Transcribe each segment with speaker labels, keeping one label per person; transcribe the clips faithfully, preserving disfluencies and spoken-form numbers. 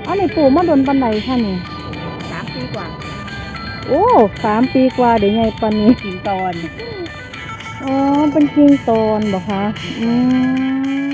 Speaker 1: อันนี้ปลูกมาโดนปันไหนค่ะนี่
Speaker 2: สามปีกว่า
Speaker 1: โอ้สามปีกว่าเดี๋ยวไงปันนี้
Speaker 2: กิ่งตอน
Speaker 1: อ๋อเป็นกิ่งตอนบอกคะอืม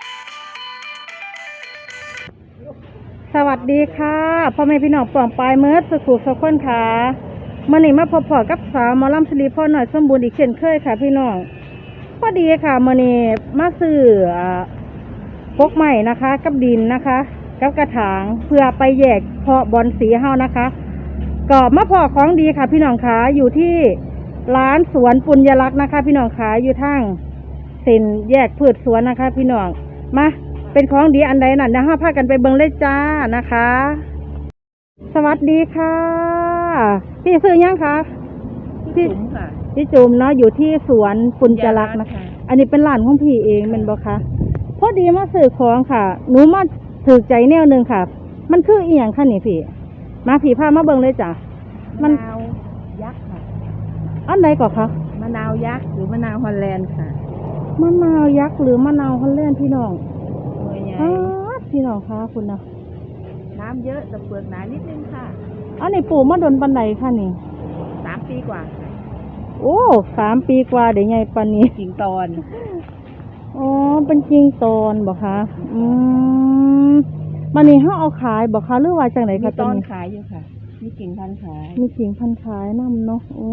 Speaker 1: สวัสดีค่ะพ่อแม่พี่น้องป่องปลายเมิร์ดสุขุสุขคนค่ะมื่อนี้มาพบพอกับสาวหมอลำสิริพรหน่อยสมบูรณ์อีกเช่นเคยค่ะพี่น้องพอดีค่ะมื่อนี้มาซื้อพกใหม่นะคะกับดินนะคะกับกระถางเพื่อไปแยกเพาะบอนสีเฮานะคะก็มาพอของดีค่ะพี่น้องขาอยู่ที่ร้านสวนปุญญลักษณ์นะคะพี่น้องขาอยู่ทางเส้นแยกพืชสวนนะคะพี่น้องมาเป็นของดีอันใดนั่นนะฮะพากันไปเบิ่งเลยจ้านะคะสวัสดีค่ะพี่ซื้อยังคะ
Speaker 2: พี่จุ๋มค่ะ
Speaker 1: พี่จุ๋มเนาะอยู่ที่สวนปุญญลักษณ์นะคะอันนี้เป็นร้านของพี่เองเป็นบ่คะพอดีมาซื้อของค่ะหนูมาถือใจแนวหนึ่งค่ะมันคืออีหยังคะนี่พี่มาผีพามาเบิ่งเลยจ้ะ
Speaker 2: มะนาวยักษ์ค่ะ
Speaker 1: อันใดก่อนคะ
Speaker 2: มะนาวยักษ์หรือมะนาวฮอลแลนด์ค่ะ
Speaker 1: มะนาวยักษ์หรือมะนาวฮอลแลนด์พี่น้อง
Speaker 2: อ๋อ
Speaker 1: พี่น้องคะคุณนะ
Speaker 2: น้ำเยอะแต่เปลือกหนานิดนึงค่ะ
Speaker 1: อันนี้ปลูกมาโดนปันไหนคะนี่
Speaker 2: สามปีกว่า
Speaker 1: โอ้สามปีกว่าเดี๋ยวไงปันนี้
Speaker 2: กิ่งตอน
Speaker 1: อ๋อเป็นกิ่งตอนบอกคะอืมมันนี่เขาเอาขายบอกคะหรือว่าจากไหนคะ
Speaker 2: ตอนขายอยู่ค่ะมีกิ่งพันขาย
Speaker 1: มีกิ่งพันขายน้ำเนาะโอ้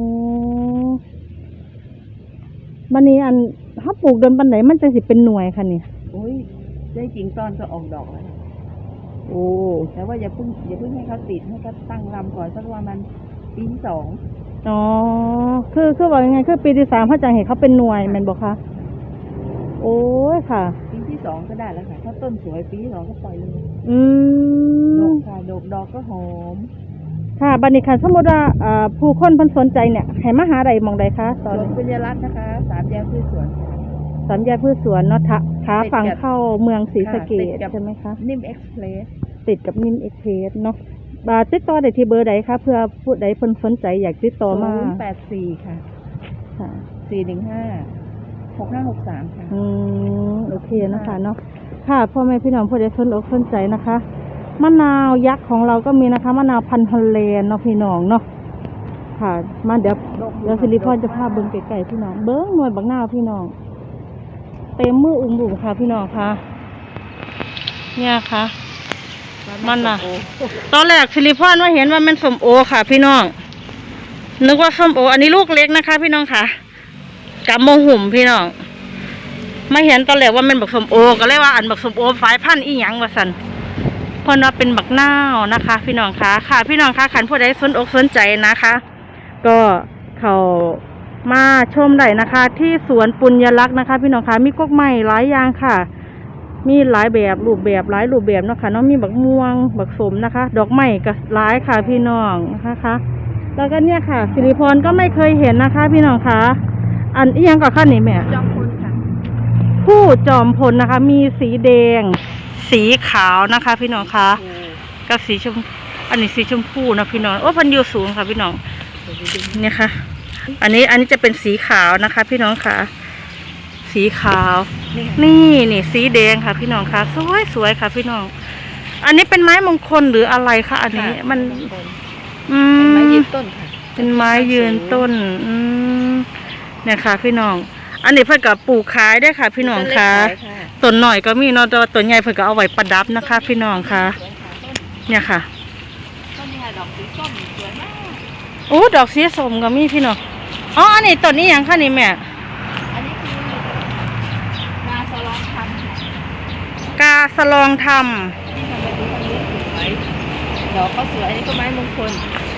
Speaker 1: มันนี่อันถ้าปลูกโดนปันไหนมันจะสิเป็นหน่วยค่ะนี่
Speaker 2: โอ้ยได้กิ่งตอนก็ออกดอกแล้ว
Speaker 1: โอ้
Speaker 2: แต่ว่าอย่าเพิ่งอย่าเพิ่งให้เขาติดให้เขาตั้งลำก่อนสักวันมันปีที่สอง
Speaker 1: อ๋อคือคือว่ายังไงคือปีที่สามเขาจะเห็นเขาเป็นหน่วยมันบอกคะโอ้ยค่ะ
Speaker 2: ปีที่สองก็ได้แล้วค่ะถ้าต้นสวยปีที่สองก็ปล่อยเลย
Speaker 1: อื
Speaker 2: มด
Speaker 1: อก
Speaker 2: ค่ะดอกดอกก็หอม
Speaker 1: ค่ะบัดนี้ค่ะสมมติว่าผู้คนเพิ่นสนใจเนี่ยให้มาหาใดมองใดคะ
Speaker 2: ตอนปุญญลักษณ์นะคะสามแยกพืชสวน
Speaker 1: สามแยกพืชสวนเนาะขาฝั่งเข้าเมืองศรีสะเกษใช่ไหมคะ
Speaker 2: นิ่มเอ็กซ์เพรส
Speaker 1: ติดกับนิ่มเอ็กซ์เพรสเนาะบาติดต่อได้ที่เบอร์ใดคะเพื่อผู้ใดเพิ่นสนใจอยากติดต่อมา
Speaker 2: ศูนย์แปดสี่ค่ะค่ะสี่หนึ่งห้าหกห้าหกสามค่ะ
Speaker 1: อืมโอเคนะคะเนาะค่ะพ่อแม่พี่น้องผู้ใดสนอกสนใจนะคะมะนาวยักษ์ของเราก็มีนะคะมะนาวพันธุ์ฮอลแลนด์เนาะพี่น้องเนาะค่ะมาเดี๋ยวเดี๋ยวสิริพรจะพาเบิ้งไก่ๆพี่น้องเบิ้งหน่วยบักนาวพี่น้องเต็มมืออุ้มบุ๋มค่ะพี่น้องค่ะเนี่ยค่ะมันน่ะตอนแรกสิริพรว่าเห็นว่ามันส้มโอค่ะพี่น้องนึกว่าส้มโออันนี้ลูกเล็กนะคะพี่น้องค่ะกับโมหุ่มพี่น้องมาเห็นตอนแรกว่ามันบักส้มโอก็เลยว่าอันบักส้มโอสายพันธุ์อีหยังว่าสันเพราะว่าเป็นบักนาวนะคะพี่น้องคะค่ะพี่น้องคะขันผู้ใดสนอกสนใจนะคะก็เขามาชมได้นะคะที่สวนปุญญลักษณ์นะคะพี่น้องคะมีกกไม้หลายอย่างค่ะมีหลายแบบรูปแบบหลายรูปแบบเนาะค่ะเนาะมีบักม่วงบักสมนะคะดอกไม้ก็หลายค่ะพี่น้องนะคะแล้วก็เนี่ยค่ะสิริพรก็ไม่เคยเห็นนะคะพี่น้องคะอันอีหยังก็ขั้นนี้แม่
Speaker 2: จอมพลค่ะ
Speaker 1: ผู้จอมพลนะคะมีสีแดงสีขาวนะคะพี่น้องคะกับสีชมอันนี้สีชมพูนะพี่น้องโอ้พันยูสูงค่ะพี่น้องเนี่ยค่ะอันนี้อันนี้จะเป็นสีขาวนะคะพี่น้องค่ะสีขาวนี่นี่สีแดงค่ะพี่น้องค่ะสวยสวยค่ะพี่น้องอันนี้เป็นไม้มงคลหรืออะไรคะอันนี้มันอืม
Speaker 2: ไม้ยืนต้นค่ะ
Speaker 1: เป็นไม้ยืนต้นอืมเนี่ยค่ะพี่น้องอันนี้เพื่อกับปลูกขายได้ค่ะพี่น้องค่ะต้นหน่อยก็มีเนาะแต่ต้นใหญ่เพื่อก็เอาไว้ประดับนะคะพี่น้องค่ะเนี่ยค่ะ
Speaker 2: ต้นนี้ดอกสีส้มสวยมาก
Speaker 1: โอ้ดอกสีส้มก็มีพี่น้องอ๋ออันนี้ต้นนี้ยังค่ะนี่แม่
Speaker 2: อันนี้คือกาสลองทำ
Speaker 1: กาสลองทำ
Speaker 2: ที่ทำแบบนี้ทำนี้สวยดอกก็สวยอันนี้ก็ไม้มงคล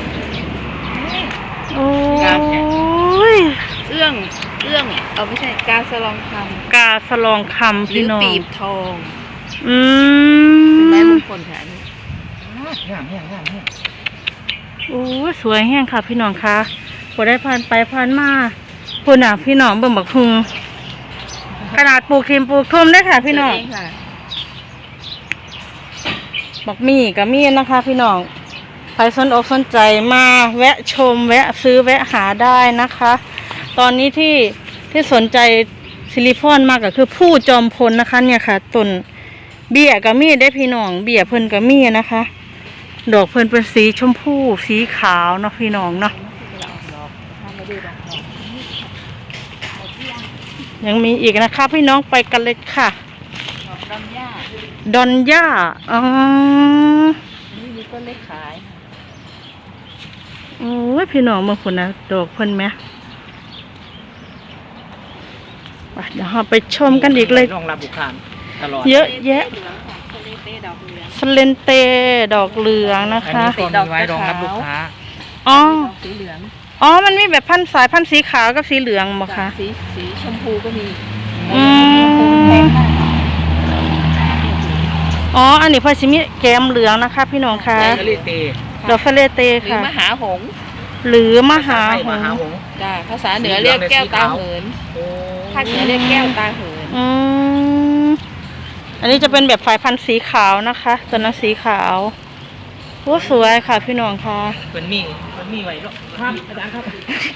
Speaker 1: โอ้ย
Speaker 2: เอื้องเอื้องเอาไม่ใช่กาสลองคำ
Speaker 1: กาสลองคำพี่น้อง
Speaker 2: หรือปีบทอง
Speaker 1: อื
Speaker 2: มเป็นไม้มงคลค่ะนี่งามแห้งงามแห้ง
Speaker 1: โอ้สวยแห้งค่ะพี่น้องคะพอได้ผ่านไปผ่านมาพูดหนาพี่น้องเบิ่งบักทุงขนาดปลูกทิมปลูกทุ่มได้ค่ะพี่น้องบักมี่กับมี่นะคะพี่น้องใครสนอกสนใจมาแวะชมแวะซื้อแวะหาได้นะคะตอนนี้ที่ที่สนใจสิริพรมากก็คือผู้จอมพลนะคะเนี่ยค่ะต้นเบี้ยก็มีได้พี่น้องเบี้ยเพิ่นก็มีนะคะ ดอกเพิ่นเป็นสีชมพูสีขาวเนาะพี่น้องเนาะยังมีอีกนะคะพี่น้องไปกันเลยค่ะ
Speaker 2: ดอกดอนย่า
Speaker 1: ดอนย่าอ๋อ
Speaker 2: นี่มีต้นเล็กขาย
Speaker 1: โอ้ยพี่น้องเมื่อคนนะดอกเพิ่นไหมไปเดี๋ยวเราไปชมกันอีกเลย
Speaker 3: รองรับบุคคลตลอด
Speaker 1: เยอะแยะ
Speaker 2: เหลืองค่ะทะเลเต้ดอกเหลือง
Speaker 1: สเลนเตดอกเหลืองนะ
Speaker 3: อัน
Speaker 1: คะ
Speaker 3: นี้ก็มีไว้รองรับลูกค้า
Speaker 1: อ๋อ
Speaker 2: ดอกสีเหลือง
Speaker 1: อ๋อมันมีแบบพันธุ์สายพันธุ์สีขาวกับสีเหลืองบ่คะ
Speaker 2: สีสีชมพูก็มี
Speaker 1: อืม
Speaker 2: แพงมาก
Speaker 1: อ๋ออันนี้เพิ่นสิมีแกมเหลืองนะคะ พี่น้องคะ
Speaker 3: ทะเลเต
Speaker 1: ดอกสเลเต
Speaker 2: หรือ
Speaker 1: ค่ะ
Speaker 2: มหาหงส์
Speaker 1: หรือมหา
Speaker 3: ไทย
Speaker 1: ห
Speaker 3: ม
Speaker 1: ง
Speaker 3: หา
Speaker 1: ส์
Speaker 3: หงส์
Speaker 2: จ้าภาษาเหนือเรียกแก้วตาเหิน
Speaker 3: โอ้
Speaker 2: ภาคเหนือเรียกแก้วตาเหิน
Speaker 1: อืมอันนี้จะเป็นแบบสายพันธุ์สีขาวนะคะตัวนั้นสีขาวโอ้สวยค่ะพี่น้องค่ะ
Speaker 3: เป็นมีเป็นมีไว้ด้วยครับอาจารย์ครับ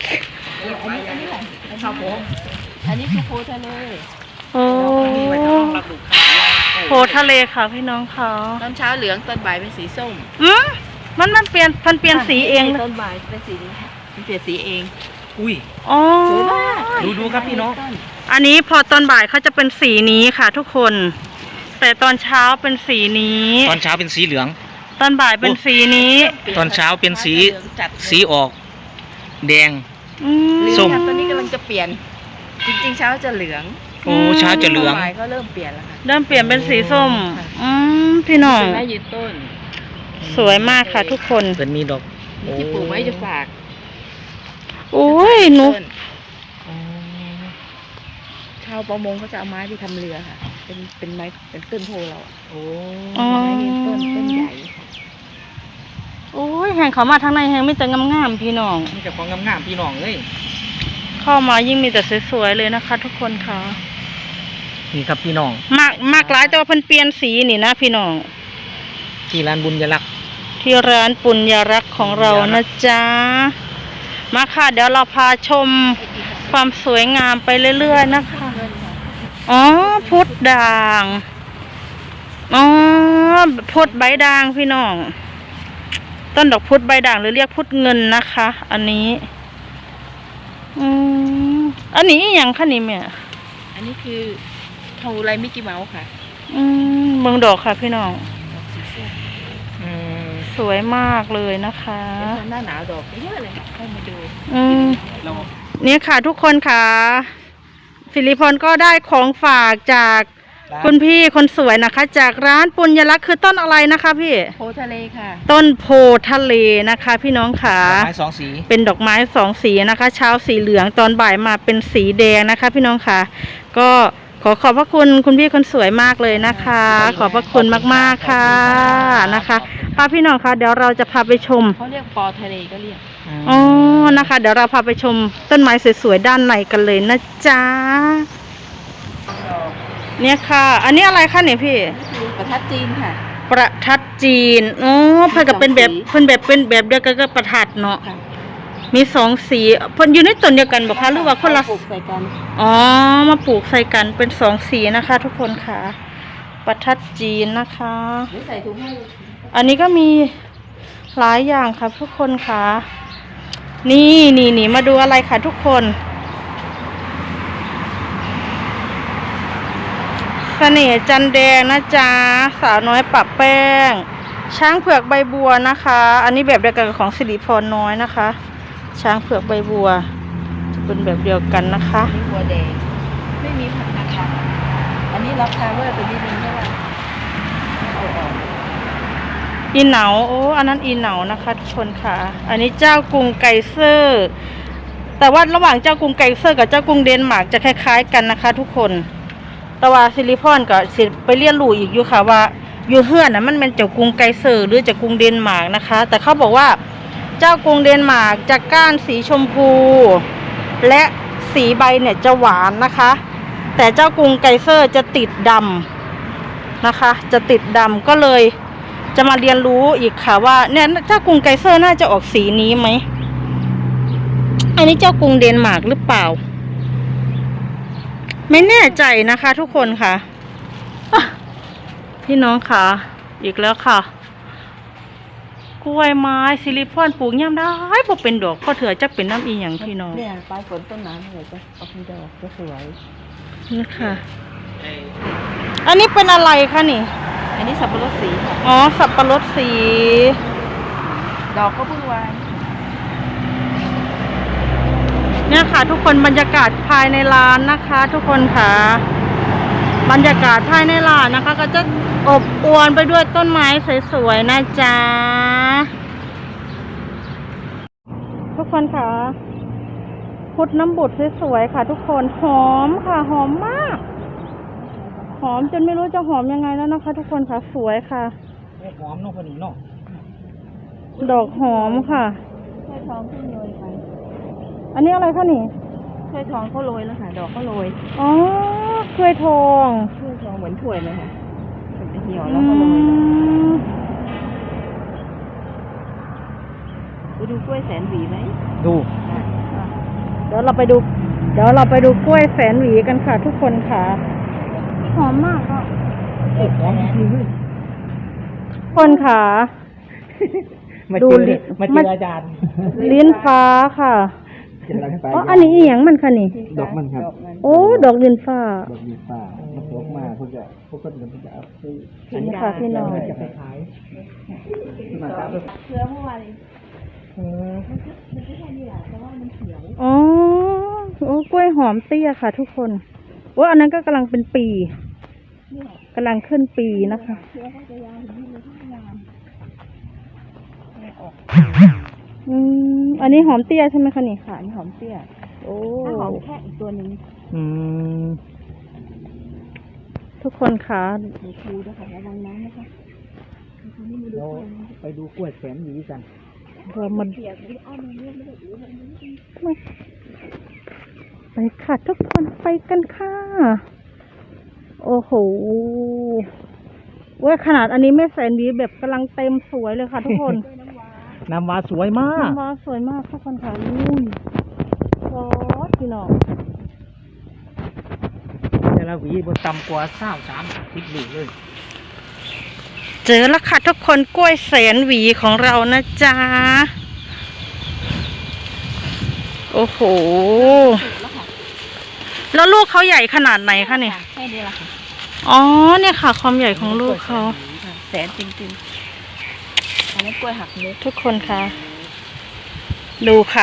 Speaker 3: ครับผม
Speaker 2: อันนี้คือโพทะเล
Speaker 1: โอ้
Speaker 3: มีไว้รองรับลูกค้า
Speaker 1: โพทะเลค่ะพี่น้องค่ะ
Speaker 2: ตอนเช้าเหลืองตอนบ่ายเป็นสีส้ม
Speaker 1: อืมมันมันเปลี่ยนมันเปลี่ยนสีเอง
Speaker 2: ตอนบ่ายเป็นสีนี้มันเปลี่ยนสีเอง
Speaker 3: อุ้ย
Speaker 1: อ๋อ
Speaker 2: สวยมาก
Speaker 3: ดูดูครับพี่น้อง
Speaker 1: อันนี้พอตอนบ่ายเขาจะเป็นสีนี้ค่ะ ทุกคน แต่ตอนเช้าเป็นสีนี้
Speaker 3: ตอนเช้าเป็นสีเหลือง
Speaker 1: ตอนบ่ายเป็นสีนี้
Speaker 3: ตอนเช้าเป็นสี
Speaker 2: เหลืองจัด
Speaker 3: สีออก แดง
Speaker 1: อืม
Speaker 3: ส้ม
Speaker 2: ตอนนี้กำลังจะเปลี่ยน จริงๆเช้าจะเหลือง
Speaker 3: โอ้เช้าจะเหลือง
Speaker 2: บ่ายก็เริ่มเปลี่ยนแล้วค่ะ
Speaker 1: เริ่มเปลี่ยนเป็นสีส้ม อืมพี่น้อง
Speaker 2: เป็นไม้ยืนต้น
Speaker 1: สวยมากค่ะทุกคน
Speaker 3: เป็นมีดอกโอ้
Speaker 2: ที่ปลูกไว้จะฝาก
Speaker 1: โอ้ยหนู
Speaker 2: ต้นชาวประมงเขาจะเอาไม้ไปทำเรือค่ะ เป็นเป็นไม้เป็นต้นโพเราอะ
Speaker 3: โอ้
Speaker 1: อ๋อ
Speaker 2: ไม้ยืนต้นต้นใหญ่
Speaker 1: โอ้ยแหงเขามาทางในแหงมีแต่งามๆพี่น้อง
Speaker 3: นี่จะของงามๆพี่น้องเลย
Speaker 1: เข้ามายิ่งมีแต่สวยๆเลยนะคะ ทุกคนค่ะ
Speaker 3: นี่ครับพี่น้อง
Speaker 1: มากมากหลายแต่ว่าเพิ่นเปลี่ยนสีนี่นะพี่น้อง
Speaker 3: ที่ร้านบุญยลักษณ์
Speaker 1: ที่ร้านปุญญรักษ์ของเรานะจ๊ะ มาค่ะ เดี๋ยวเราพาชมความสวยงามไปเรื่อยๆนะคะ
Speaker 2: เงินค่ะ
Speaker 1: อ๋อพุทธด่างอ๋อพุทธใบด่างพี่น้อง ต้นดอกพุทธใบด่างหรือเรียกพุทธเงินนะคะ อันนี้ อืมอันนี้อหย่างคะนี่แม่
Speaker 2: อันนี้คือทองอุไรมิกกี้เมาส์ค่ะ
Speaker 1: อืมเบิ่งดอกค่ะพี่น้อง
Speaker 2: ดอกสีส้ม
Speaker 3: อืม
Speaker 1: สวยมากเลยนะคะ
Speaker 2: เดี๋ยวตอนหน้าหนาวดอกเยอะเลยค่ะเข้ามาดู
Speaker 1: อืม
Speaker 3: เรา
Speaker 1: นี่ค่ะทุกคนค่ะสิริพรก็ได้ของฝากจากคุณพี่คนสวยนะคะ จากร้านปุญญลักษณ์คือต้นอะไรนะคะพี่
Speaker 2: โพทะเลค่ะ
Speaker 1: ต้นโพทะเลนะคะ พี่น้องค่ะ
Speaker 3: ไม้สองสี
Speaker 1: เป็นดอกไม้สองสีนะคะ เช้าสีเหลืองตอนบ่ายมาเป็นสีแดงนะคะ พี่น้องค่ะ ก็ขอขอบพระคุณคุณพี่คนสวยมากเลยนะคะ ขอบพระคุณมากๆค่ะนะคะป้าพี่น้องคะเดี๋ยวเราจะพาไปชม
Speaker 2: เขาเรียกปอทะเลก็เรียก
Speaker 1: อ๋อนะคะ เดี๋ยวเราพาไปชมต้นไม้สวยๆด้านในกันเลยนะจ๊ะเนี่ยค่ะ อันนี้อะไรคะเนี่ยพี่
Speaker 2: คือประทัดจีนค่ะ
Speaker 1: ประทัดจีนอ๋อเพิ่นก็เป็นแบบเพิ่นแบบเป็นแบบเดียวกันกับประทัดเนาะ
Speaker 2: ค่ะ
Speaker 1: มีสองสีเพิ่นอยู่ในต้นเดียวกันบ่คะหรือว่าคนละ
Speaker 2: ปลูกใส่กัน
Speaker 1: อ๋อมาปลูกใส่กันเป็นสองสีนะคะ ทุกคนค่ะ ประทัดจีนนะคะ
Speaker 2: หรือใส่ถุงให้
Speaker 1: อันนี้ก็มีหลายอย่างค่ะทุกคนค่ะ นี่นี่นี่มาดูอะไรค่ะทุกคนเสน่ห์จันแดงนะจ๊ะสาวน้อยปะแป้ง ช้างเผือกใบบัวนะคะ อันนี้แบบเดียวกันกับของสิริพรน้อยนะคะ ช้างเผือกใบบัวจะเป็นแบบเดียวกันนะคะ
Speaker 2: อันนี้บัวแดง ไม่มีผักนะคะอันนี้ราคาเวอร์ตัวนี้นึงเท่าไหร่เอาออก
Speaker 1: อีเหนาโอ้อันนั้นอีเหนานะคะทุกคนค่ะ อันนี้เจ้ากรุงไกเซอร์ แต่ว่าระหว่างเจ้ากรุงไกเซอร์กับเจ้ากรุงเดนมาร์กจะคล้ายๆกันนะคะ ทุกคนแต่ว่าซิลิพอนก็สิไปเรียนรู้อีกอยู่ค่ะว่าอยู่เฮือนน่ะมันเป็นเจ้ากรุงไกเซอร์หรือเจ้ากรุงเดนมาร์กนะคะ แต่เขาบอกว่าเจ้ากรุงเดนมาร์กจะก้านสีชมพู และสีใบเนี่ยจะหวานนะคะ แต่เจ้ากรุงไกเซอร์จะติดดำนะคะ จะติดดำก็เลยจะมาเรียนรู้อีกค่ะว่าเนี่ยเจ้ากรุงไกเซอร์น่าจะออกสีนี้ไหมอันนี้เจ้ากรุงเดนมาร์กหรือเปล่าไม่แน่ใจนะคะ ทุกคนค่ะอ่ะพี่น้องค่ะอีกแล้วค่ะกล้วยไม้ซิลิคอนปลูกย่ำได้พอเป็นดอกพอเถื่อจะเป็นน้ำอีหยังพี่น้อง
Speaker 2: เนี่ยปลายฝนต้นน้ำเลยจะเอาไปดอกจะสวย
Speaker 1: นี่ค่ะอันนี้เป็นอะไรคะนี่
Speaker 2: อันนี้สับปะรดสีค่ะ
Speaker 1: อ๋อสับปะรดสี
Speaker 2: ดอกก็เพิ่งวาง
Speaker 1: เนี่ยค่ะ ทุกคนบรรยากาศภายในร้านนะคะ ทุกคนค่ะบรรยากาศภายในร้านนะคะ ก็จะอบอวลไปด้วยต้นไม้สวยๆนะจ๊ะทุกคนค่ะพุดน้ำบุตรสวยๆค่ะ ทุกคนหอมค่ะหอมมากหอมจนไม่รู้จะหอมยังไงแล้วนะคะ ทุกคนค่ะสวยค่ะ
Speaker 3: หอมเนาะพอดีเนาะ
Speaker 1: ดอกหอมค่ะ
Speaker 2: ถ้วยทองเพิ่งโรยไป
Speaker 1: อันนี้อะไรคะนี่
Speaker 2: ถ้วยทองเขาโรยแล้วค่ะดอกก็โรย
Speaker 1: อ๋อกล้วยทอง
Speaker 2: ถ้วยทองเหมือนถ้วยเลยค่ะมันจะเหี่ยว
Speaker 1: อื
Speaker 2: แล้วก็โรย
Speaker 1: ม
Speaker 2: ไปดูกล้วยแสนหวีไหม
Speaker 3: ดู
Speaker 1: เดี๋ยวเราไปดู เดี๋ยวเราไปดูกล้วยแสนหวีกันค่ะ ทุกคนค่ะหอมมากค่ะ
Speaker 3: หอมจริงเลย
Speaker 1: คนค่ะ
Speaker 3: มา
Speaker 1: ดู
Speaker 3: เจอ
Speaker 1: ลิ้น
Speaker 3: มาเจ
Speaker 1: มา
Speaker 3: ออาจารย์
Speaker 1: ลิ้นฟ้าค่ะอ๋ออันนี้อีหยังมันค่ะนี่
Speaker 4: ดอกมันครับ
Speaker 2: ดอกมัน
Speaker 1: โอ้ดอกลิ้นฟ้า
Speaker 4: ดอกมีป่ามันตกมาพวกจะพวกก็เดี๋ยวมันจะเอาไป
Speaker 1: อันนี้ค่ะพี่น้อง
Speaker 4: จะไปขายมาครับ
Speaker 2: เชื้อเมื่อวาน
Speaker 1: อืม
Speaker 2: มันไม่ใช่นี่แหละแต่ว่ามันเขียว
Speaker 1: อ๋อโอ้กล้วยหอมเตี้ยค่ะ ทุกคนโอ้อันนั้นก็กำลังเป็นปีกำลังขึ้นปีนะคะ
Speaker 2: เชื้อเขาจะยาวถึงนี่เลยทุกงานไม่ออก
Speaker 1: อืมอันนี้หอมเตี้ยใช่ไหมคะนี่
Speaker 2: ค่ะนี่หอมเตี้ย
Speaker 1: โอ้
Speaker 2: ถ้าหอมแค่อีกตัวหนึ่ง
Speaker 3: อืม
Speaker 1: ทุกคนค่ะ
Speaker 2: หนูคูด้วยค่ะระวังน้ำนะคะทีนี้มาดู
Speaker 4: เราไปดูกล้วยแสนหวีกัน
Speaker 1: เรามัน
Speaker 2: เปียกไม่อ้อมมันเรียกไม่ได้อู้มันไม่
Speaker 1: ไปค่ะทุกคนไปกันค่ะ โอ้โหเว้ยขนาดอันนี้ไม่แสนดีแบบกำลังเต็มสวยเลยค่ะ ทุกคน
Speaker 3: น้ำว้าสวยมาก
Speaker 1: น้ำว้าสวยมากทุกคนค่ะนี่โอ้พี่น้อง
Speaker 3: แต่ละหวีบนต่ำกว่าสามสามสิบหวีเลย
Speaker 1: เจอแล้วค่ะทุกคนกล้วยแสนหวีของเรานะจ๊ะโอ้โหแล้วลูกเขาใหญ่ขนาดไหนคะเนี่ย
Speaker 2: แค่นี้แหละค่ะ
Speaker 1: อ๋อเนี่ยค่ะ ความใหญ่ของลูกเขา
Speaker 2: แสนจริงๆอันนี้กล้วยหักมุก
Speaker 1: ทุกคนคะดูค่ะ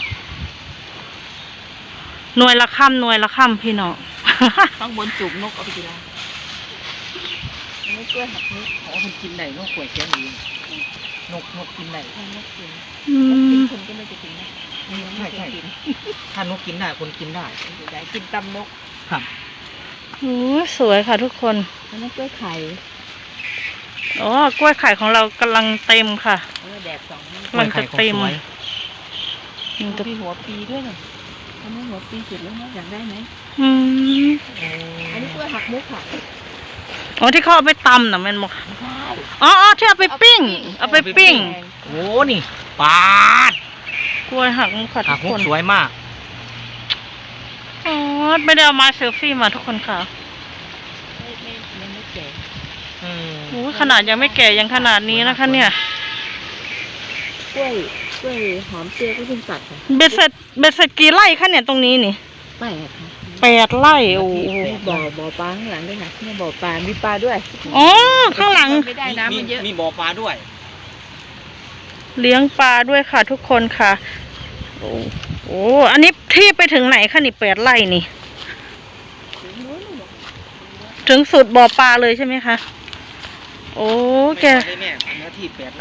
Speaker 1: หน่วยละค่ำหน่วยละค่ำพี่น้อง
Speaker 2: ข้างบนจุกนกเอาไปกินละอันนี้กล้วยหักมุก
Speaker 3: อ๋อมันกินได้นกกล้วยแค่นี้นกนกกินได้
Speaker 2: ให้นกกิน
Speaker 1: อื
Speaker 2: นกกิ
Speaker 1: ม
Speaker 2: นคนก็ไม่จะกินนะ
Speaker 3: ใช่ใช่ถ้านกกินได้คนกินได้
Speaker 2: ใหญ่กินตำนก
Speaker 3: ครับ
Speaker 1: โอ้สวยค่ะทุกคน
Speaker 2: อันนี้กล้วยไข่
Speaker 1: อ๋อกล้วยไข่ของเรากำลังเต็มค่ะ
Speaker 2: เออแดดสองนี่
Speaker 1: กำลังจะเต็ม
Speaker 3: กล้วยไข่
Speaker 1: มันจะ
Speaker 2: มีหัวปีด้วยน่ะอันนี้หัวปีสุดแล้วนะอยากได้ไหม
Speaker 1: อืม
Speaker 2: อันนี้กล้วยหักมุกค่ะ
Speaker 1: อ๋อที่เขาเอาไปตำน่ะแมันบอกอ๋ออ๋อที่เอาไปปิ้ง เอาไปปิ้ง
Speaker 3: โอ้นี่ปาด
Speaker 1: กล้วยหักมุกค่ะ
Speaker 3: หั
Speaker 1: ทุ
Speaker 3: ก
Speaker 1: ก
Speaker 3: มุ
Speaker 1: ค
Speaker 3: ก
Speaker 1: น
Speaker 3: สวยมาก
Speaker 1: อ๋อไม่ได้เอามาเซลฟี่มาทุกคนค่ะ
Speaker 2: ไม่ไม่ยังไม่แก่
Speaker 3: อืม
Speaker 1: โอ้ขนาดยังไม่แก่ยังขนาดนี้นะคะ เนี่ย
Speaker 2: กล้วยกล้วยหอมเตี้ยก็เพิ่งตัดค่ะ
Speaker 1: เบ็ดเสร็จเบ็ดเสร็จกี่ไร่คะเนี่ยตรงนี้นี่
Speaker 2: แปลกค่ะ
Speaker 1: แปดไร่โอ้โห
Speaker 2: มีบ่อบ่อปลาข้างหลังด้วยค่ะนี่บ่อปลา มีปลาด้วย
Speaker 1: อ๋อข้างหลัง
Speaker 2: ไม่ได้น้ำมันเยอะ
Speaker 3: มีบ่อปลาด้วย
Speaker 1: เลี้ยงปลาด้วยค่ะ ทุกคนค่ะ โอ้โอ้อันนี้ที่ไปถึงไหนคะนี่แปดไร่นี่ ถึงสุดบ่อปลาเลยใช่ไหมคะ โอ้แก
Speaker 3: ไม่ได้แม่เนื้อที่แปดไร่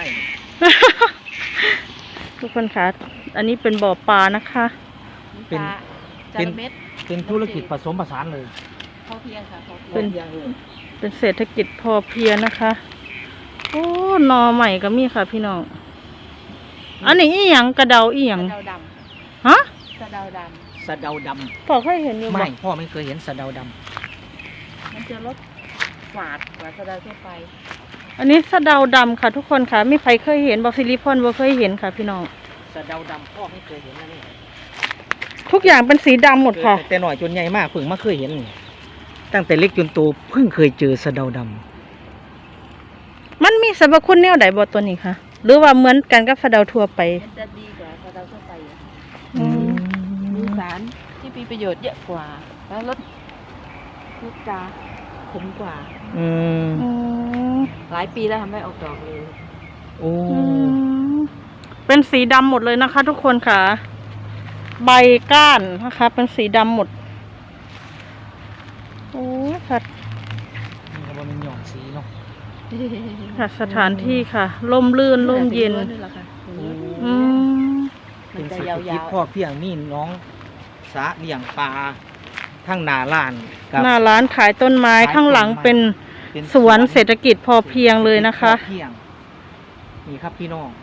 Speaker 1: ทุกคนค่ะ อันนี้เป็นบ่อปลานะคะ
Speaker 3: เป็น
Speaker 2: จานเม็ด
Speaker 3: เป็นธุรกิจผสมผสานเลย
Speaker 2: พอเพียงค่ะพอเพียง
Speaker 1: เป็น
Speaker 3: อย่างเลย
Speaker 1: เป็นเศรษฐกิจพอเพียงนะคะ โอ้หนอใหม่ก็มีค่ะพี่น้อง อันนี้อีหยังกระเดาอีหยัง
Speaker 2: สะเดาด
Speaker 1: ฮะ
Speaker 2: ำสะเดาด
Speaker 3: สะเดาด
Speaker 1: พอเคยเห็นอยู่
Speaker 3: ำ
Speaker 1: บ่
Speaker 3: ไม่พ่อไม่เคยเห็นสะเดาด
Speaker 2: ำมันจะลดฝาดกว่าสะเดาทั่วไป
Speaker 1: อันนี้สะเดาดำค่ะ ทุกคนค่ะไม่ใครเคยเห็นบอกซิลิพอนบ่เคยเห็นค่ะ พี่น้อง
Speaker 3: ำสะเดาดำพ่อไม่เคยเห็นนะนี่
Speaker 1: ทุกอย่างเป็นสีดำหมดค่ะ
Speaker 3: แต่หน่อยจนใหญ่มากเพิ่งมาเคยเห็นนี่ตั้งแต่เล็กจนโตเพิ่งเคยเจอสะเดาด
Speaker 1: มีสรรพคุณแนวใดบ่ตัวนี้คะหรือว่าเหมือนกันกับสะเดาทั่วไป
Speaker 2: มันจะดีกว่าสะเดาทั่วไปอะ
Speaker 1: อืม
Speaker 2: มีสารที่มีประโยชน์เยอะกว่า แล้วลดลูกจาขมกว่า
Speaker 3: อืม
Speaker 1: อืม
Speaker 2: หลายปีแล้วทำไม่ออกดอกเลย
Speaker 3: โอ้
Speaker 1: อืมเป็นสีดำหมดเลยนะคะ ทุกคนค่ะ ใบก้านนะคะ เป็นสีดำหมดโอ้ค่ะ
Speaker 3: นี่ก็มันหย่อนสีเนาะ
Speaker 1: ค่ะสถานที่ค่ะร่มรื่นร่มเย็น
Speaker 2: นี่แหละค่ะ
Speaker 1: อืม
Speaker 2: มั
Speaker 3: เป็น น
Speaker 2: จะ
Speaker 3: เศรษ
Speaker 2: ยา
Speaker 3: ฐกิจ
Speaker 2: ว
Speaker 3: พ่อเพียงนี่น้องสาเลี้ยงปลาทั้งนาล้านกับ
Speaker 1: หน้าร้านขายต้นไม้
Speaker 3: ขายต้นไม้
Speaker 1: ข้างหลังเป็น
Speaker 3: เป็น
Speaker 1: สวนเศรษฐกิจพอเพียงเลยนะคะ
Speaker 3: พ่อเพียงนี่ครับพี่น้อง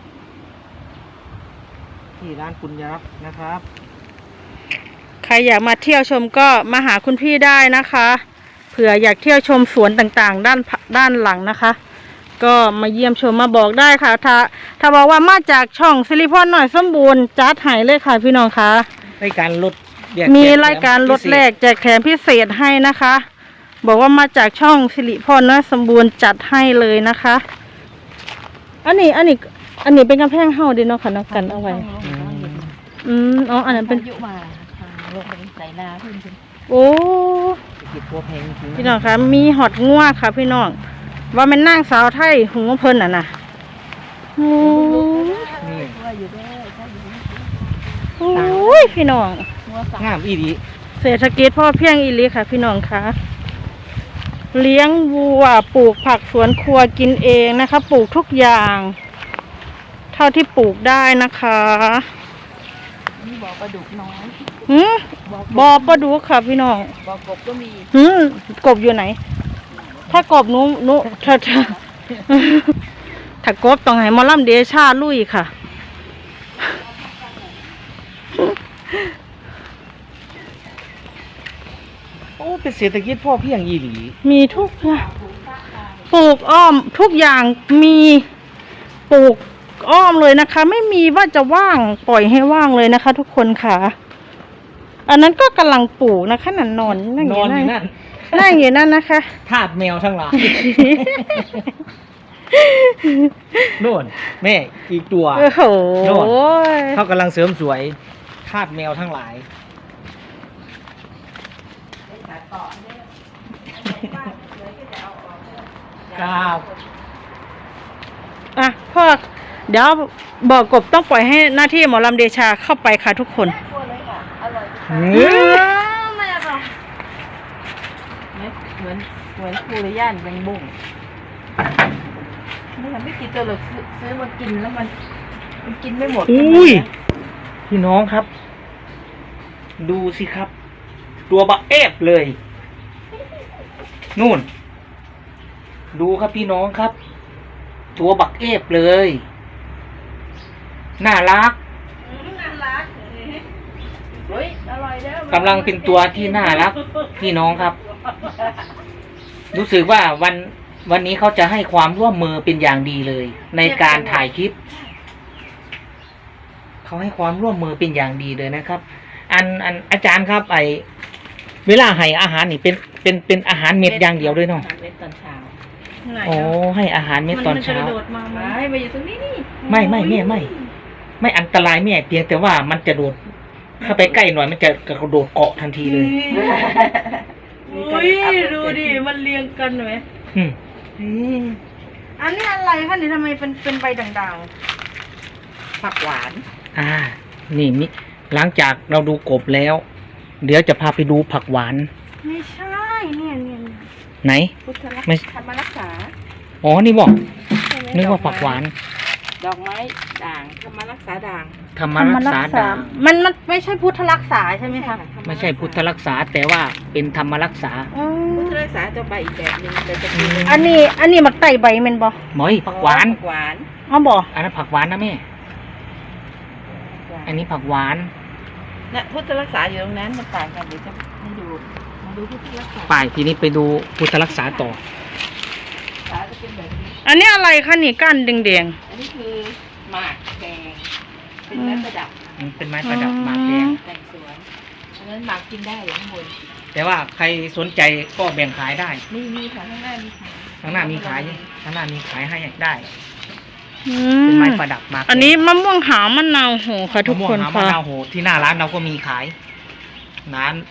Speaker 3: ที่ร้านปุญญรักษ์นะครับ
Speaker 1: ใครอยากมาเที่ยวชมก็มาหาคุณพี่ได้นะคะ เผื่ออยากเที่ยวชมสวนต่างๆ ด้านด้านหลังนะคะ ก็มาเยี่ยมชมมาบอกได้ค่ะ ถ้าถ้าบอกว่ามาจากช่องซิลิพอนหน่อยสมบูรณ์จัดให้เลยค่ะพี่น้องคะ
Speaker 3: รายการลดแยก
Speaker 1: มี
Speaker 3: แถ
Speaker 1: รายการลด
Speaker 3: พิเศษ
Speaker 1: แลกแจกแถมพิเศษให้นะคะ บอกว่ามาจากช่องสิริพรน้อยสมบูรณ์จัดให้เลยนะคะ อันนี้อันนี้ อันนี้เป็นกำแพงเฮาเดิเนาะค่ะเนาะกันเอาไว้ อืมอ๋ออันนั้นเป็น
Speaker 2: ยุมาทางลงไปใส่นาขึ้นขึ้น
Speaker 1: โอ้
Speaker 3: เศรษฐกิจพ่อเพียงจริงๆ
Speaker 1: พี่น้องคะมีหอดงัวค่ะ พี่น้องว่ามันนั่งสาวไทยหูเพิ่นอ่ะนะโอ้
Speaker 3: นี่
Speaker 2: ว่าอยู่ด้วยใช่อยู่ด้วย
Speaker 1: โอ้ยพี่น้อง
Speaker 2: หัวสัก
Speaker 3: งามอีดี
Speaker 1: เศรษฐกิจพ่อเพียงอีหลีค่ะ พี่น้องคะเลี้ยงวัวปลูกผักสวนครัวกินเองนะคะ ปลูกทุกอย่าง เท่าที่ปลูกได้นะคะ
Speaker 2: นี่บอกปลาดุกน้อย
Speaker 1: หืม
Speaker 2: บอก
Speaker 1: บอปลาดุกค่ะพี่น้อง
Speaker 2: บอกกบก็มี
Speaker 1: หืมกบอยู่ไหน ถ้ากบหนูหนูเธอเธอ ถ้ากบต้องให้หมอลำเดชาลุยค่ะ
Speaker 3: โอ้เป็นเศรษฐกิจพ่อเพียงอีหลี
Speaker 1: มีทุกอย่างปลูกอ้อมทุกอย่างมีปลูกอ้อมเลยนะคะ ไม่มีว่าจะว่างปล่อยให้ว่างเลยนะคะ ทุกคนค่ะ อันนั้นก็กำลังปลูกนะคะนั่นนอนนั่ง
Speaker 3: น
Speaker 1: อ
Speaker 3: อน
Speaker 1: ยู่
Speaker 3: อยู่
Speaker 1: นั่
Speaker 3: นั่
Speaker 1: น
Speaker 3: น
Speaker 1: นั่งอยู่นั่นนะคะ
Speaker 3: ทาสแมวทั้งหลาย โน่นแม่อีกตัว
Speaker 1: โอ้โห
Speaker 3: โน่น เขากำลังเสริมสวยทาสแมวทั้งหลายครับ
Speaker 1: อ่ะพ่อเดี๋ยวบอกกบต้องปล่อยให้หน้าที่หมอลำเดชาเข้าไปค่ะทุกคน
Speaker 2: กลัวเลยค่ะ อร่อย
Speaker 3: เฮ้ย
Speaker 1: ไม่อร่อย
Speaker 2: เหมือนเหมือนคูริย่านแบงบุ้งไม่ทำไม่กินตัวหรอกซื้อซื้อมากินแล้วมันมันกินไม่หมด
Speaker 3: อุ้ยพี่น้องครับ ดูสิครับ ตัวบักเอฟเลย นู่น ดูครับพี่น้องครับ ตัวบักเอฟเลย น่ารัก
Speaker 1: น่ารัก
Speaker 2: เฮ้ยอร่อยเด้อก
Speaker 3: ำลังเป็นตัวที่น่ารัก พี่น้องครับ รู้สึกว่าวันวันนี้เขาจะให้ความร่วมมือเป็นอย่างดีเลย ในการถ่ายคลิป เขาให้ความร่วมมือเป็นอย่างดีเลยนะครับ อันอันอาจารย์ครับ ไอเวลาให้อาหารนี่เป็นเป็นเป็นอาหารเม็ดอย่างเดียวด้วยเนาะ
Speaker 2: อาหารเม็ดตอนเช้า
Speaker 3: โอ้ให้อาหารเม็ดตอนเช้า
Speaker 1: มันจะกระโดดมาไหม
Speaker 2: ไม่มาอยู่ตรงนี้นี่
Speaker 3: ไม่ไม่แม่ไม่ ไม่อันตรายแม่เพียงแต่ว่ามันจะโดดเข้าไปใกล้หน่อยมันจะกระโดดเกาะทันทีเลย
Speaker 1: อุ้ยดูดิมันเรียงกันไหม
Speaker 3: อืม
Speaker 1: อันนี้อะไรคะนี่ทำไมเป็นเป็นใบด่าง
Speaker 2: ผักหวาน
Speaker 3: อ่า นี่มิหลังจากเราดูกบแล้ว เดี๋ยวจะพาไปดูผักหวาน
Speaker 1: ๆไม่ใช่เนี่ยเนี่ยเนี่ย
Speaker 3: ไหน
Speaker 2: พุทธรัก
Speaker 3: ไม่
Speaker 2: ษาธรรมรักษา
Speaker 3: อ๋อนี่บอก
Speaker 2: ใช่ไหม
Speaker 3: นึกว่าผักหวาน
Speaker 2: ดอกไม้ด่างธรรมรักษาด่าง
Speaker 3: ธรรมรักษาด่าง
Speaker 1: มันมันไม่ใช่พุทธรักษาใช่ไหมคะ
Speaker 3: ไม่ใช่พุทธรักษาแต่ว่าเป็นธรรมรักษา
Speaker 1: อ๋อ
Speaker 2: พุทธรักษาจะใบอีกแบบหนึงแต่จะเป็น
Speaker 1: อันนี้อันนี้มันไต่ใบแมันบ่
Speaker 3: หมอยผักหวาน
Speaker 2: ผักหวาน
Speaker 1: อ๋อบ่
Speaker 3: อันนั้นผักหวานนะแม่ อันนี้ผักหวาน
Speaker 2: เนี่ยพุทธรักษาอยู่ตรงนั้นมันต่างกันเดี๋ยวจะให้ดูมาดูพุทธรักษา
Speaker 3: ไปทีนี้ไปดูพุทธรักษาต่อ
Speaker 2: รักษาจะเป็นแบบนี้
Speaker 1: อันนี้อะไรคะนี่ก้านแดง
Speaker 2: อันนี้คือหมากแดงเป็นไม้ประดับ
Speaker 3: มันเป็นไม้ประดับหมากแดง
Speaker 2: แต่งสวนอันนั้นหมากกินได้อยู่ข้างบน
Speaker 3: แต่ว่าใครสนใจก็แบ่งขายได้
Speaker 2: นี่มีค่ะข้างหน้ามีค่ะ
Speaker 3: อข้างหน้ามีขายข้างหน้ามีขายให้ได้
Speaker 1: อื
Speaker 3: เป็น
Speaker 1: ม
Speaker 3: ไม้ประดับมา
Speaker 1: อันนี้มะม่วงหาวมะนาวโหค่ะทุกคน
Speaker 3: มะม่วงหาวมะ
Speaker 1: ค่ะ
Speaker 3: นาวโหที่หน้าร้านเราก็มีขายร้าน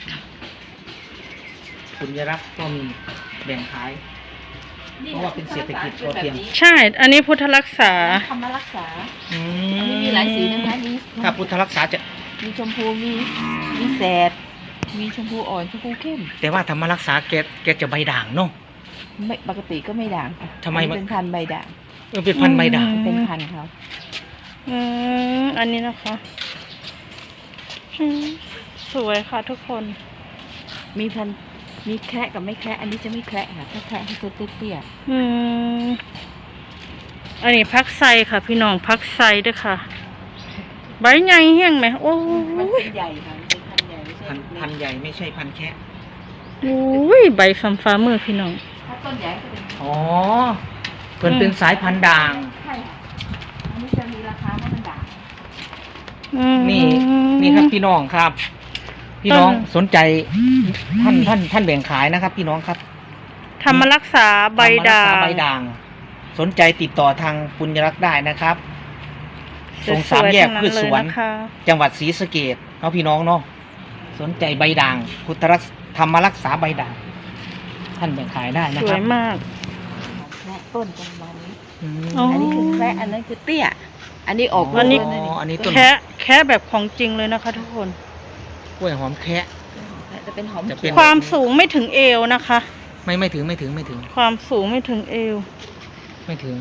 Speaker 3: คุณยรักษ์ก็มีแบ่งขาย เพราะว่าเป็นเศรษฐกิจพอเพียง
Speaker 1: ใช่ อันนี้พุทธรักษา
Speaker 2: ธรรมรักษา
Speaker 3: อื
Speaker 2: อันนี้มีหลายสีนะคะมี
Speaker 3: ถ้าพุทธรักษาจะ
Speaker 2: มีชมพูมีมีแสดมีชมพูอ่อนชมพูเข้ม
Speaker 3: แต่ว่าธรรมรักษาแกแกจะใบด่างเนาะ
Speaker 2: ไม่ปกติก็ไม่ด่างค่ะ
Speaker 3: ทำไม
Speaker 2: อัน
Speaker 3: มัน
Speaker 2: นี้เป็นพันธุ์ใบด่าง
Speaker 3: เออเป็นพันธุ์ใบด่าง
Speaker 1: อืม
Speaker 2: เป็นพันธุ์เขา
Speaker 1: อืมอันนี้นะคะอืมสวยค่ะทุกคน
Speaker 2: มีพันธุ์มีแคระกับไม่แคระอันนี้จะไม่แคระค่ะถ้าแคระให้ตัวเตี้ย
Speaker 1: อืมอันนี้พักไซค่ะ พี่น้องพักไซด้วยค่ะ ใบใหญ่เฮี้ยงไหมโอ้
Speaker 2: ๆมัน
Speaker 1: ย
Speaker 2: เป็นใหญ่ค่ะมันเป็นพันธุ์ใหญ่ไม่ใช่
Speaker 3: พันธุ์พันธุ์ใหญ่ไม่ใช่พันธุ์แค่
Speaker 1: โอ้ยใบฟ้าฟ้ามือพี่น้อง
Speaker 2: ถ้าต้นใหญ่ก็เป็น
Speaker 3: อ๋อเพิ่นเป็นสายพันธุ์ด่าง
Speaker 2: ใช่ค่ะอันนี้จะมีราคาเพราะมันด่าง
Speaker 1: อืม
Speaker 3: นี่นี่ครับพี่น้องครับ พี่น้อง
Speaker 1: ต้น
Speaker 3: สนใจท่านท่านท่านแบ่งขายนะครับ พี่น้องครับ
Speaker 1: ธรรมรักษาใบด่า
Speaker 3: ธรรมรักษ
Speaker 1: ง
Speaker 3: ใบด่าง สนใจติดต่อทางปุญญรักษ์ได้นะครับตรงสาม
Speaker 1: วยๆ
Speaker 3: แยก
Speaker 1: ทั้ง
Speaker 3: พืชสวน
Speaker 1: เลยนะคะ
Speaker 3: จังหวัดศรีสะเกษเนาะพี่น้องเนาะสนใจใบด่าง พุทธรักษธรรมรักษาใบด่าง ท่านแบ่งขายได้นะ
Speaker 1: ส
Speaker 3: คว รับ
Speaker 1: ยมาก
Speaker 2: แคระต้นประมาณนี้
Speaker 3: อืม
Speaker 1: อ๋อ
Speaker 2: อันนี้คือแคระอันนั้นคือเตี้ย อันนี้ออก
Speaker 1: อันนี้
Speaker 2: ลูกแล้วะ
Speaker 3: อันนี้ต้น
Speaker 1: แค่แค่แบบของจริงเลยนะคะ ทุกคน
Speaker 3: กล้วยหอมแคะ
Speaker 2: จะเป็นหอม
Speaker 3: จะเป็น
Speaker 1: ความสูงไม่ถึงเอวนะคะ
Speaker 3: ไม่ไม่ถึงไม่ถึงไม่ถึง
Speaker 1: ความสูงไม่ถึงเอว
Speaker 3: ไม่ถึง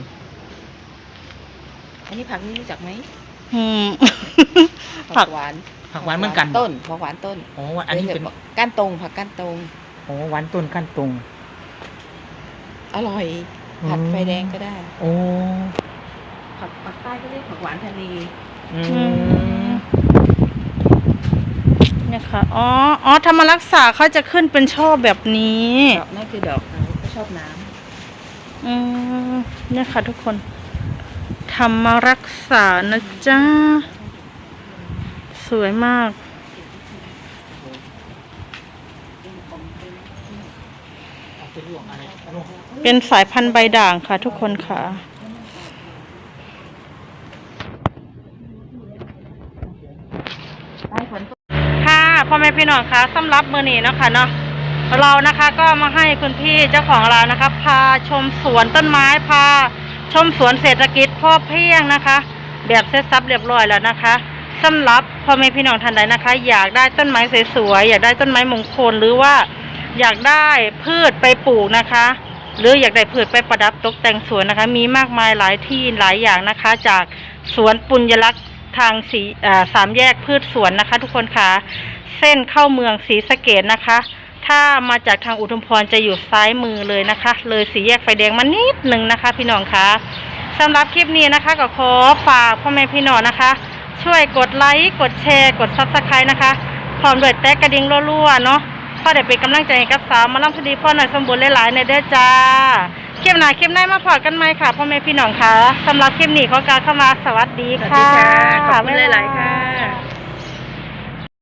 Speaker 2: อันนี้ผักนี่รู้จักไหม
Speaker 1: อืม ผั
Speaker 2: ผั
Speaker 1: ก
Speaker 2: กหวาน
Speaker 3: ผักหวานเหมือนกัน
Speaker 2: ต้นผักหวานต้น
Speaker 3: อ๋ออันนี้เป็น
Speaker 2: ก้านตรงผักก้านตรง
Speaker 3: อ๋อหวานต้นขั้นตรง
Speaker 2: อร่อยผัดไฟแดงก็ได้
Speaker 3: โอ้
Speaker 2: ผักปักใต้ก็เรียกผักหวานทะเล
Speaker 3: อื
Speaker 1: อื
Speaker 3: ม
Speaker 1: มเนี่ยค่ะ อ๋อ อ๋อ ธรรมรักษาเขาจะขึ้นเป็นช่อแบบนี้
Speaker 2: ดอกนั่นคือดอกเขาเขาชอบน้
Speaker 1: อืมเนี่ยค่ะทุกคน ธรรมรักษานะจ๊ะ สวยมาก เป็นสายพันธุ์ใบด่างค่ะทุกคนค่ะ
Speaker 2: ำใต้ฝนตก
Speaker 1: ค่ะพ่อแม่พี่น้องคะสำหรับมื้อนี้เนาะค่ะเนาะเรานะคะก็มาให้คุณพี่เจ้าของร้านนะคะ พาชมสวนต้นไม้พาชมสวนเศรษฐกิจพ่อเพียงนะคะ แบบเสร็จสับเรียบร้อยแล้วนะคะสำหรับพ่อแม่พี่น้องท่านใดนะคะ อยากได้ต้นไม้สวยๆอยากได้ต้นไม้มงคลหรือว่าอยากได้พืชไปปลูกนะคะ หรืออยากได้พืชไปประดับตกแต่งสวนนะคะ มีมากมายหลายที่หลายอย่างนะคะ จากสวนปุญญลักษณ์ทางสีอ่าสามแยกพืชสวนนะคะ ทุกคนค่ะเส้นเข้าเมืองศรีสะเกษนะคะ ถ้ามาจากทางอุทุมพรจะอยู่ซ้ายมือเลยนะคะ เลยสี่แยกไฟแดงมานิดหนึ่งนะคะ พี่น้องคะสำหรับคลิปนี้นะคะก็ขอฝากพ่อแม่พี่น้องนะคะ ช่วยกดไลค์กดแชร์กดซับสไครต์นะคะพร้อมด้วยแตะกระดิ่งรัวๆเนาะก็ได้เป็นกำลังใจให้กับสาวมาล่ำคดีพ่อหน่อยสมบูรณ์หลายๆในเด้อจ้าคลิปหน้าคลิปหน้ามาพอกันไหมค่ะพ่อแม่พี่น้องคะสำหรับคลิปนี้ขอกล่าวคำว่าสวัสดี
Speaker 2: สวัส
Speaker 1: ค่ะ
Speaker 2: ดีค่ะ ขอบคุณหลายๆค่ะ